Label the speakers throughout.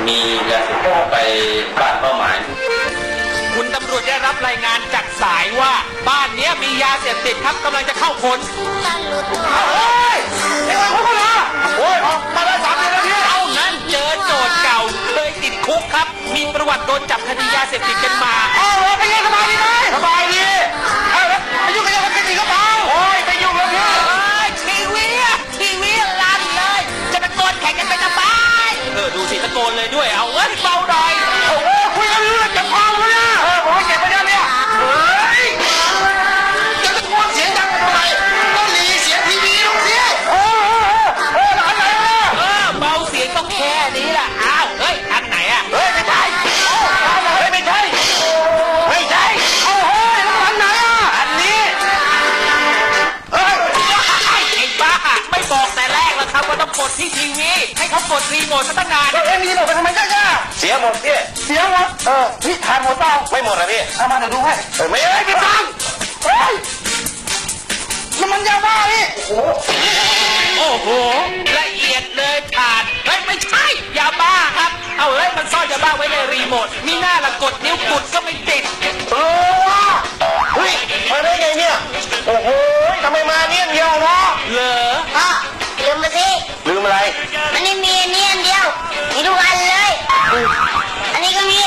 Speaker 1: มียาเสพติดไปบ้านเป้าหมาย
Speaker 2: คุณตำรวจได้รับรายงานจากสายว่าบ้านนี้มียาเสพติดครับกำลังจะเข้าค้น
Speaker 3: โอ้ยออกมาได้3 เดือนแล้วพี่
Speaker 2: เท่านั้นเจอโจทย์เก่าเคยติดคุกครับ มีประวัติโดนจับคดียาเสพติดกันมา
Speaker 3: เอาเลยไปยังสบายดีไหมสบายดีเอาแล้วไปยุ่งกับยาเสพติดอีกก็เปล่าโอ้ยไปยุ่งแล้วพี่
Speaker 2: ทีวีลั่นเลย จะตะโกนแข่งกันไปทำไมดูสิตะโกนเลยด้วยเอาเอ้ยเบาหน่อย
Speaker 3: โอ้โหคุยกันเรื่องเก็บความเลยนะผมให้เก็บไปได้เนี่ยเฮ้ยจะตะโกนเสียงดังทำไมก็หลีเสียงทีวีลงสิหลานไหนล่ะ
Speaker 2: เบาเสียงต้องแค่นี้ล่ะอ้าวเฮ้ยทางไหนอะ
Speaker 3: เฮ้ยไม่ใช่เฮ้ยไม่ใช่ไม่ใช่เอาเฮ้ยแล้วหลานไหนอ่ะอันนี้เฮ้ย
Speaker 2: ไอ้บ้าไม่บอกแต่แรกแล้วครับว่าต้องกดที่ทีวีให้เขากดรีโมทซะตั้งนาน
Speaker 3: เฮ้ยมีหมดไปทำไมจ้าเสียหมดพี่เสียหมดพี่ทานหมดเปล่าไม่หมดนะพี่เอามาเดี๋ยวดูให้ไม่ได้พี่ฟังเฮ้ยน้ำมันยาบ้านี่โอ้โห
Speaker 2: โอ้โหละเอียดเลยขาดเฮ้ยไม่ใช่ยาบ้าครับเอาเฮ้ยมันซ่อนยาบ้าไว้ในรีโมทมีหน้าละกดนิ้วกดก็ไม่ติด
Speaker 3: ว่ะเฮ้ยมาได้ไงเนี่ยโอ้โหทำไมมาเนี่ยเดียวเนาะ
Speaker 2: เหรอ
Speaker 4: พ่อลืมมาสิ
Speaker 3: ลืมอะไร
Speaker 4: มันไม่มีอันนี้อันเดียว มีทุกอันเลย อันนี้ก็มี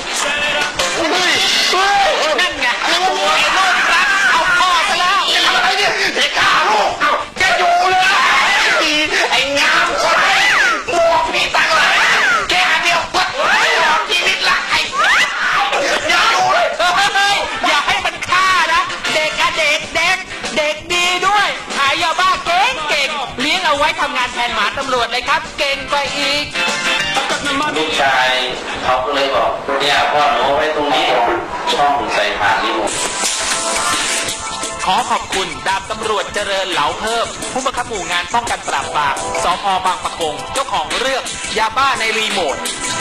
Speaker 2: นั่นไงไอ้โลกรักเอาพ่อซะแล้ว
Speaker 3: ทำอะไรเนี่ยไอ้ข้าลูกแกอยู่เลยไอ้งามคนไหนหมวกมีตังค์เลยแกเดียวปัดไม่หลอกชีวิตละไอ้อย่าอยู่เลย
Speaker 2: เฮ้ยอย่าให้มันฆ่านะเด็กอะเด็กดีด้วยขายยาบ้าเก่งเลี้ยงเอาไว้ทำงานแทนหมาตำรวจเลยครับ เก่งกว่าอีก
Speaker 1: ลูกชายเขาก็เลยบอกเนี่ยพ่อหนูไว้ตรงนี้ช่องใส่ผ่านรีโมท
Speaker 2: ขอขอบคุณดาบตำรวจเจริญเหลาเพิ่ม ผู้บังคับหมู่งานป้องกันปราบปรามสพบางปะกง เจ้าของเรื่องยาบ้าในรีโมท